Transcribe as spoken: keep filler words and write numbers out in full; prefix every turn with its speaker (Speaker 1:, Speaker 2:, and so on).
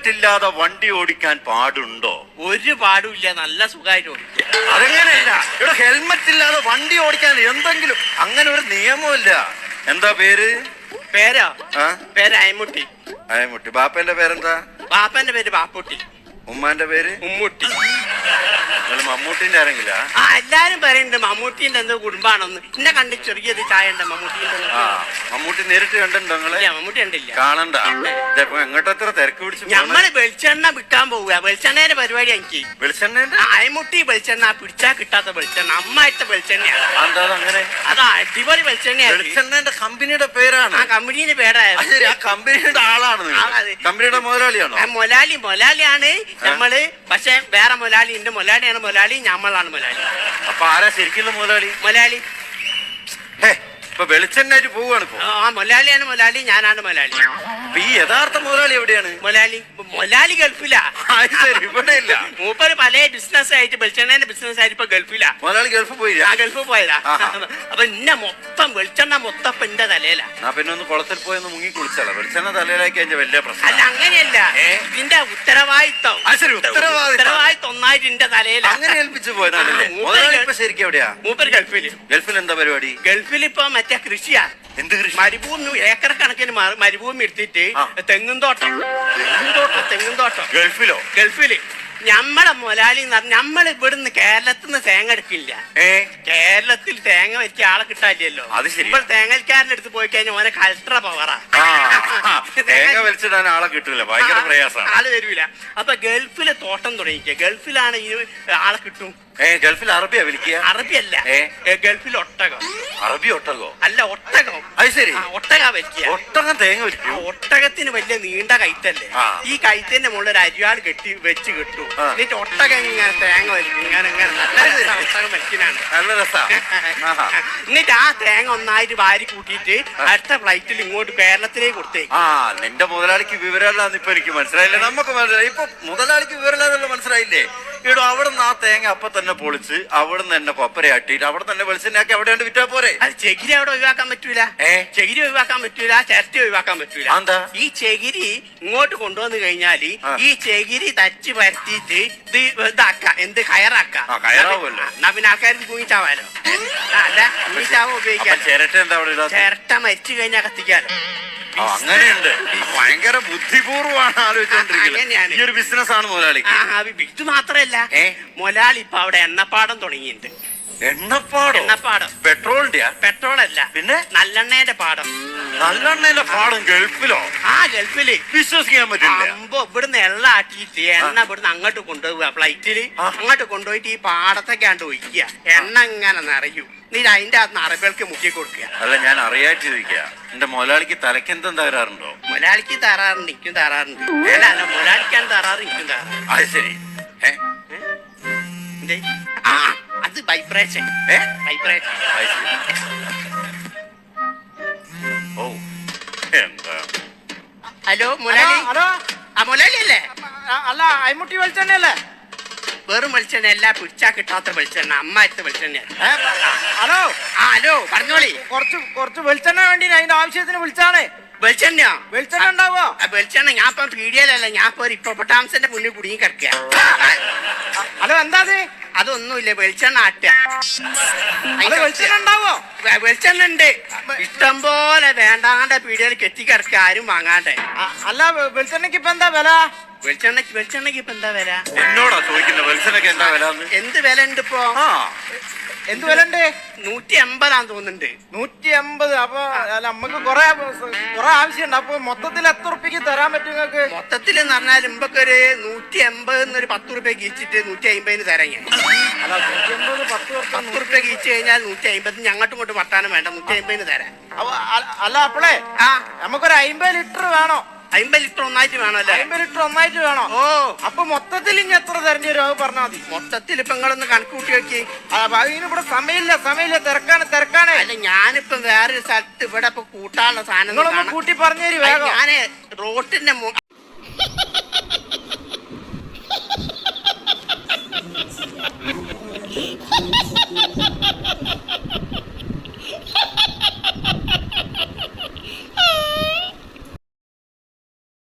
Speaker 1: Helmet ഇല്ലാതെ വണ്ടി ഓടിക്കാൻ പാടുണ്ടോ?
Speaker 2: ഒരു പാടുമില്ല, നല്ല സുഖമായിട്ട് ഓടിക്കും.
Speaker 1: അതങ്ങനെയല്ല, ഇവിടെ ഹെൽമെറ്റ് ഇല്ലാതെ വണ്ടി ഓടിക്കാൻ എന്തെങ്കിലും അങ്ങനെ ഒരു നിയമമില്ല. എന്താ പേര്?
Speaker 2: പേരോ? പേര് അയമുട്ടി.
Speaker 1: അയമുട്ടി. ബാപ്പന്റെ പേരെന്താ?
Speaker 2: ബാപ്പന്റെ പേര് ബാപ്പുട്ടി.
Speaker 1: ഉമ്മാന്റെ പേര്?
Speaker 2: ഉമ്മുട്ടി.
Speaker 1: നിങ്ങൾ മമ്മൂട്ടിന്റെ ആരെങ്കില?
Speaker 2: ആ, എല്ലാരും പറയുന്നുണ്ട് മമ്മൂട്ടിന്റെ എന്തോ കുടുംബാണെന്ന്. എന്നെ കണ്ട് ചെറിയത് ചായ ഉണ്ട് മമ്മൂട്ടിന്റെ.
Speaker 1: ആ, മമ്മൂട്ടി നേരിട്ട് കണ്ടിട്ടുണ്ടോ നിങ്ങള്?
Speaker 2: മമ്മൂട്ടി കണ്ടില്ല.
Speaker 1: കാണണ്ട. എങ്ങോട്ട് എത്ര തിരക്ക് പിടിച്ചു?
Speaker 2: നമ്മള് വെളിച്ചെണ്ണ വിൽക്കാൻ പോവുക. വെളിച്ചെണ്ണയുടെ പരിപാടി എനിക്ക്.
Speaker 1: വെളിച്ചെണ്ണ?
Speaker 2: അയമുട്ടി വെളിച്ചെണ്ണ, പിടിച്ചാ കിട്ടാത്ത വെളിച്ചെണ്ണ, അമ്മായിട്ട വെളിച്ചെണ്ണയാണ്.
Speaker 1: എന്താ അങ്ങനെ?
Speaker 2: അതാ അടിപൊളി വെളിച്ചെണ്ണയാണ്.
Speaker 1: വെളിച്ചെണ്ണന്റെ കമ്പനിയുടെ പേരാണ്.
Speaker 2: ആ കമ്പനിയുടെ പേരാണ്.
Speaker 1: ആ കമ്പനിയുടെ ആളാണ്. കമ്പനിയുടെ മുതലാളിയാണോ?
Speaker 2: മൊലാലി മൊലാലിയാണ് നമ്മള്. പക്ഷെ വേറെ മൊലാലി ഉണ്ട്. മൊലാലിയാണ് മൊലാലി, ഞമ്മളാണ് മൊലാലി.
Speaker 1: അപ്പൊ ആരാ ശരിക്കുള്ള മുതലാളി?
Speaker 2: മൊലാലി.
Speaker 1: ഇപ്പൊ വെളിച്ചെണ്ണായിട്ട് പോവാണ് ഇപ്പൊ.
Speaker 2: ആ മൊലാലിയാണ് മൊലാലി, ഞാനാണ് മൊലാലി.
Speaker 1: ഈ യഥാർത്ഥ മുതലാളി എവിടെയാണ്?
Speaker 2: മൊലാലി മൊലാലി ഗൾഫിലാ.
Speaker 1: ഇവിടെ ഇല്ല.
Speaker 2: മൂപ്പര് പല ബിസിനസ് ആയിട്ട്, വെളിച്ചെണ്ണേന്റെ ബിസിനസ് ആയിട്ട് ഇപ്പൊ ഗൾഫിലാ.
Speaker 1: മുതലാളി ഗൾഫ് പോയില്ല?
Speaker 2: ആ ഗൾഫ് പോയതാ. അപ്പൊ ഇന്ന മൊത്തം വെളിച്ചെണ്ണ മൊത്തം ഇപ്പൊ എന്റെ തലയിലാ.
Speaker 1: ഞാൻ പിന്നെ ഒന്ന് കുളത്തിൽ പോയി ഒന്ന് മുങ്ങി കുളിച്ചാലോ? വെളിച്ചെണ്ണ തലയിലാക്കി അതിന്റെ വലിയ പ്രശ്നം.
Speaker 2: അല്ല അങ്ങനെയല്ല, ഇതിന്റെ ഉത്തരവാദിത്വം ഉത്തരവാദിത്വം ഒന്നായിട്ട് എന്റെ തലയിലാ.
Speaker 1: അങ്ങനെ ഏൽപ്പിച്ചു പോയതാണല്ലേ. മുതലാളി ഇപ്പൊ ശരിക്കും എവിടെയാ?
Speaker 2: മൂപ്പര് ഗൾഫില്.
Speaker 1: ഗൾഫിൽ എന്താ പരിപാടി?
Speaker 2: ഗൾഫിൽ ഇപ്പൊ മറ്റേ കൃഷിയാ.
Speaker 1: എന്ത് കൃഷി?
Speaker 2: മരുഭൂമി, ഏക്കർ കണക്കിന് മരുഭൂമി എടുത്തിട്ട് തെങ്ങും തോട്ടം. തെങ്ങും തോട്ടം തെങ്ങും തോട്ടം
Speaker 1: ഗൾഫിലോ?
Speaker 2: ഗൾഫില്. ഞമ്മളെ മൊലാലി എന്ന് പറഞ്ഞ നമ്മൾ ഇവിടുന്ന് കേരളത്തിൽ നിന്ന് തേങ്ങ എടുക്കില്ല. കേരളത്തിൽ തേങ്ങ വെച്ച ആളെ കിട്ടാനില്ലല്ലോ. ഇപ്പോൾ തേങ്ങൽക്കാരൻ്റെ അടുത്ത് പോയി കഴിഞ്ഞാൽ ഓനെ കൾട്ടറ പവറാ.
Speaker 1: തേങ്ങ വലിച്ചിടാൻ ആളെ കിട്ടൂല, ഭയങ്കര പ്രയാസമാണ്.
Speaker 2: ആള് വരൂല. അപ്പൊ ഗൾഫിലെ തോട്ടം തുടങ്ങിക്ക. ഗൾഫിലാണ് ഈ ആളെ കിട്ടും.
Speaker 1: ഗൾഫിൽ അറബിയാ വിളിക്കുക?
Speaker 2: അറബിയല്ല, ഗൾഫിൽ ഒട്ടകം.
Speaker 1: അറബി ഒട്ടകോ?
Speaker 2: അല്ല ഒട്ടകം.
Speaker 1: അത് ശരി,
Speaker 2: ഒട്ടക വലിക്കുക.
Speaker 1: ഒട്ടകം തേങ്ങ വലിക്കും.
Speaker 2: ഒട്ടകത്തിന് വലിയ നീണ്ട കൈത്തല്ലേ. ഈ കൈത്തിന്റെ മുകളിൽ ഒരു അരിവാൾ കെട്ടി വെച്ച് കിട്ടും. എന്നിട്ട് ഒട്ടകം ഇങ്ങനെ തേങ്ങ വലിക്കും. ഇങ്ങനെ ഇങ്ങനെ നല്ല ഒട്ടകം വലിക്കാനാണ്.
Speaker 1: നല്ല രസാ.
Speaker 2: എന്നിട്ട് ആ തേങ്ങ ഒന്നായിട്ട് വാരി കൂട്ടിയിട്ട് അടുത്ത ഫ്ലൈറ്റിൽ ഇങ്ങോട്ട് കേരളത്തിലേക്ക് കൊടുത്തേക്ക്.
Speaker 1: ആ, നിന്റെ മുതലാളിക്ക് വിവരമില്ലാന്ന് ഇപ്പൊ എനിക്ക് മനസ്സിലായില്ലേ? നമുക്ക് മനസ്സിലായി. ഇപ്പൊ മുതലാളിക്ക് വിവരമില്ലാന്നുള്ള മനസ്സിലായില്ലേ? ഇവിടെ അവിടെ നിന്ന് ആ തേങ്ങ അപ്പൊ തന്നെ പൊളിച്ച് അവിടെ നിന്ന് തന്നെ കൊപ്പരയാട്ടിട്ട് അവിടെ തന്നെ വെളിച്ചെണ്ണാക്കി അവിടെ കൊണ്ട് വിറ്റാ പോരെ.
Speaker 2: അത് ചെകിരി അവിടെ ഒഴിവാക്കാൻ പറ്റൂല. ചെകിരി ഒഴിവാക്കാൻ പറ്റൂല, ചിരട്ടി ഒഴിവാക്കാൻ പറ്റൂല.
Speaker 1: എന്താ? ഈ
Speaker 2: ചെകിരി ഇങ്ങോട്ട് കൊണ്ടുവന്ന് കഴിഞ്ഞാല് ഈ ചെകിരി തച്ച് പരത്തിയിട്ട് ഇത് ഇതാക്ക, എന്ത് കയറാക്കാം. എന്നാ പിന്നെ ആൾക്കാർക്ക് തൂങ്ങിച്ചാവാലോ. അല്ല തൂങ്ങിച്ചാവ ഉപയോഗിക്കാം.
Speaker 1: ചിരട്ട എന്താ അവിടെ?
Speaker 2: ചിരട്ട മരിച്ചു കഴിഞ്ഞാൽ കത്തിക്കാലോ.
Speaker 1: അങ്ങനെയുണ്ട്. ഭയങ്കര ബുദ്ധിപൂർവ്വമാണ് ആലോചിച്ചോണ്ടിരിക്കുന്നത്. ഈ ഒരു ബിസിനസ് ആണ് മുതലാളി.
Speaker 2: ഇത് മാത്രല്ല, മുതലാളി ഇപ്പൊ അവിടെ എണ്ണപ്പാടം തുടങ്ങിയിട്ടുണ്ട്.
Speaker 1: എണ്ണപ്പാടം?
Speaker 2: എണ്ണപ്പാടം
Speaker 1: പെട്രോളിന്റെ?
Speaker 2: പെട്രോൾ അല്ല,
Speaker 1: പിന്നെ
Speaker 2: നല്ലെണ്ണയുടെ പാടം.
Speaker 1: നല്ലെണ്ണയുടെ പാടം ഗൾഫിലോ?
Speaker 2: ആ ഗൾഫില്.
Speaker 1: വിശ്വസിക്കാൻ പറ്റില്ല.
Speaker 2: അമ്പോ ഇവിടുന്ന് എണ്ണ ആട്ടിയിട്ട് എണ്ണ ഇവിടുന്ന് അങ്ങോട്ട് കൊണ്ടുപോവുക ഫ്ലൈറ്റില്. അങ്ങോട്ട് കൊണ്ടുപോയിട്ട് ഈ പാടത്തൊക്കെയാണ്ട് ഒഴിക്കുക. എണ്ണ ഇങ്ങനെ നിറയും. നീ അതിന്റെ അകത്ത് അറബികൾക്ക് മുക്കി കൊടുക്കുക.
Speaker 1: അല്ല, ഞാൻ അറിയായിട്ട് ചോദിക്കുക, എന്റെ മുതലാളിക്ക് തലക്കെന്തും തകരാറുണ്ടോ?
Speaker 2: മുതലാളിക്ക് തകരാറുണ്ട്, എനിക്കും തകരാറുണ്ട്. അല്ല അല്ല മുതലാളിക്കാൻ തകരാറ്, എനിക്കും തകരാറ്.
Speaker 1: അത് ശരി.
Speaker 2: ആ അത് വൈബ്രേഷൻ. വൈബ്രേഷൻ.
Speaker 1: ഓ എന്താ?
Speaker 2: ഹലോ മുതലാളി.
Speaker 3: ഹലോ,
Speaker 2: ആ മുതലാളി അല്ലേ?
Speaker 3: അല്ല, അയമുട്ടി വെളിച്ചെണ്ണയല്ലേ?
Speaker 2: വെറും വെളിച്ചെണ്ണ അല്ല, പിടിച്ചാ കിട്ടാത്ത വെളിച്ചെണ്ണ, അമ്മായത്തെ വെളിച്ചെണ്ണ.
Speaker 3: ഹലോ.
Speaker 2: ആ ഹലോ, പറഞ്ഞോളി.
Speaker 3: കുറച്ച് കുറച്ച് വെളിച്ചെണ്ണ വേണ്ടി അതിന്റെ ആവശ്യത്തിന് വിളിച്ചാണ്.
Speaker 2: വെളിച്ചെണ്ണയോ?
Speaker 3: വെളിച്ചെണ്ണ ഉണ്ടാവോ?
Speaker 2: വെളിച്ചെണ്ണ ഞാൻ ഇപ്പൊ പീഡിയയിലല്ല, ഞാൻ ഇപ്പൊ ഒരു ഇപ്പൊട്ടാംസിന്റെ മുന്നിൽ കുടുങ്ങി കിടക്കുക.
Speaker 3: ഹലോ, എന്താ അത്?
Speaker 2: അതൊന്നുമില്ല, വെളിച്ചെണ്ണ ആട്ടുക.
Speaker 3: വെളിച്ചെണ്ണ ഉണ്ടാവോ?
Speaker 2: വെളിച്ചെണ്ണ ഉണ്ട് ഇഷ്ടം പോലെ. വേണ്ടാണ്ട പീഡിയയിൽ കെട്ടിക്കിടക്കുക, ആരും വാങ്ങാണ്ടേ.
Speaker 3: അല്ല, വെളിച്ചെണ്ണക്ക് ഇപ്പൊ എന്താ വില?
Speaker 2: വെളിച്ചെണ്ണക്ക് വെളിച്ചെണ്ണക്ക് ഇപ്പൊ എന്താ വില?
Speaker 1: എന്നോടാ ചോദിക്കുന്നത് വെളിച്ചെണ്ണക്ക് എന്താ വില?
Speaker 2: എന്ത് വില ഉണ്ട് ഇപ്പൊ?
Speaker 3: എന്ത് വില ഉണ്ട്?
Speaker 2: നൂറ്റി എൺപതാന്ന് തോന്നുന്നുണ്ട്.
Speaker 3: നൂറ്റി എൺപത്. അപ്പൊ നമുക്ക് കൊറേ കൊറേ ആവശ്യമുണ്ട്. അപ്പൊ മൊത്തത്തിൽ എത്ര ഉറുപ്പിക്ക് തരാൻ പറ്റും നിങ്ങൾക്ക്?
Speaker 2: മൊത്തത്തിൽ എന്ന് പറഞ്ഞാൽ ഇമ്പൊക്കെ ഒരു നൂറ്റി എൺപത് എന്നൊരു പത്ത് റുപ്യ കീച്ചിട്ട് നൂറ്റി അമ്പതിന് തരാൻ ഞാൻ.
Speaker 3: അല്ല, നൂറ്റി എൺപത് പത്ത്
Speaker 2: പത്ത് റുപ്യ കീച്ച് കഴിഞ്ഞാൽ നൂറ്റി അമ്പത് ഞങ്ങോട്ടും ഇങ്ങോട്ട് വർത്താനം വേണ്ട, നൂറ്റി അമ്പതിന് തരാം.
Speaker 3: അല്ല, അപ്പോളേ ആ നമുക്കൊരു അമ്പത് ലിറ്റർ വേണോ?
Speaker 2: അമ്പത് ലിറ്റർ ഒന്നായിട്ട് വേണോ? അല്ലേ,
Speaker 3: അമ്പത് ലിറ്റർ ഒന്നായിട്ട് വേണോ? ഓ, അപ്പൊ മൊത്തത്തിൽ ഇനി എത്ര തരേണ്ടി വരും? അത് പറഞ്ഞാൽ മതി.
Speaker 2: മൊത്തത്തിൽ ഇപ്പൊ നിങ്ങളൊന്ന് കണക്ക് കൂട്ടി വെക്കി.
Speaker 3: ഇവിടെ സമയമില്ല, സമയമില്ല, തിരക്കാണ് തിരക്കാണ്.
Speaker 2: അല്ല, ഞാനിപ്പോ വേറൊരു സ്ഥലത്ത് ഇവിടെ ഇപ്പൊ കൂട്ടാനുള്ള സാധനം
Speaker 3: കൂട്ടി പറഞ്ഞു തരും വേഗം.
Speaker 2: ഞാന് റോട്ടിന്റെ